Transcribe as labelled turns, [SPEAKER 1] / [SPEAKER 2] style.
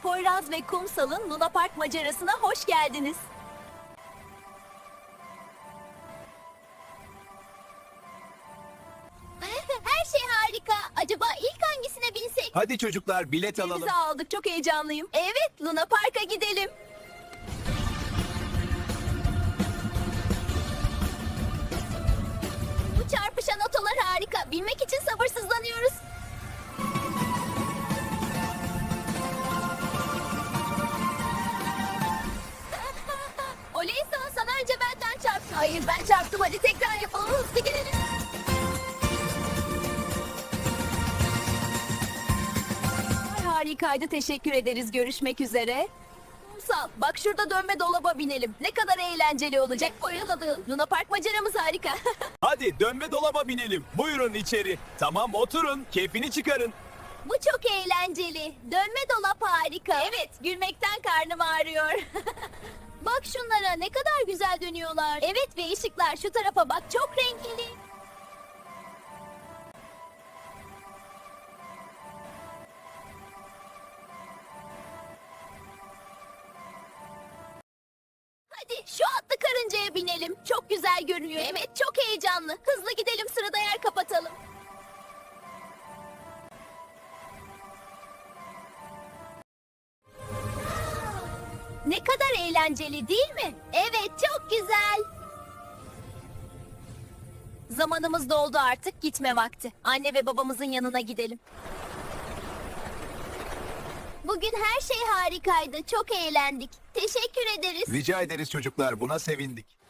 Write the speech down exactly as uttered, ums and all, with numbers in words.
[SPEAKER 1] Poyraz ve Kumsal'ın Luna Park macerasına hoş geldiniz.
[SPEAKER 2] Her şey harika. Acaba ilk hangisine binsek?
[SPEAKER 3] Hadi çocuklar bilet alalım.
[SPEAKER 1] Bizi aldık, çok heyecanlıyım.
[SPEAKER 2] Evet, Luna Park'a gidelim. Bu çarpışan otolar harika. Binmek için sabırsızlanıyoruz. Oley sana, sana önce benden çarptın. Hayır, ben çarptım. Hadi tekrar yapalım. Hızlı gidelim.
[SPEAKER 1] Ay, harikaydı, teşekkür ederiz. Görüşmek üzere. Kumsal, bak şurada dönme dolaba binelim. Ne kadar eğlenceli olacak.
[SPEAKER 2] Bayıldım.
[SPEAKER 1] Luna Park maceramız harika.
[SPEAKER 3] Hadi dönme dolaba binelim. Buyurun içeri. Tamam oturun. Keyfini çıkarın.
[SPEAKER 2] Bu çok eğlenceli. Dönme dolap harika.
[SPEAKER 1] Evet, gülmekten karnım ağrıyor.
[SPEAKER 2] Bak şunlara, ne kadar güzel dönüyorlar. Evet, ve ışıklar şu tarafa bak, çok renkli. Hadi şu atlı karıncaya binelim. Çok güzel görünüyor. Evet, çok heyecanlı. Hızlı gidelim, sırada yer kapatalım. Ne kadar eğlenceli değil mi? Evet, çok güzel.
[SPEAKER 1] Zamanımız doldu artık, gitme vakti. Anne ve babamızın yanına gidelim.
[SPEAKER 2] Bugün her şey harikaydı. Çok eğlendik. Teşekkür ederiz.
[SPEAKER 3] Rica ederiz çocuklar. Buna sevindik.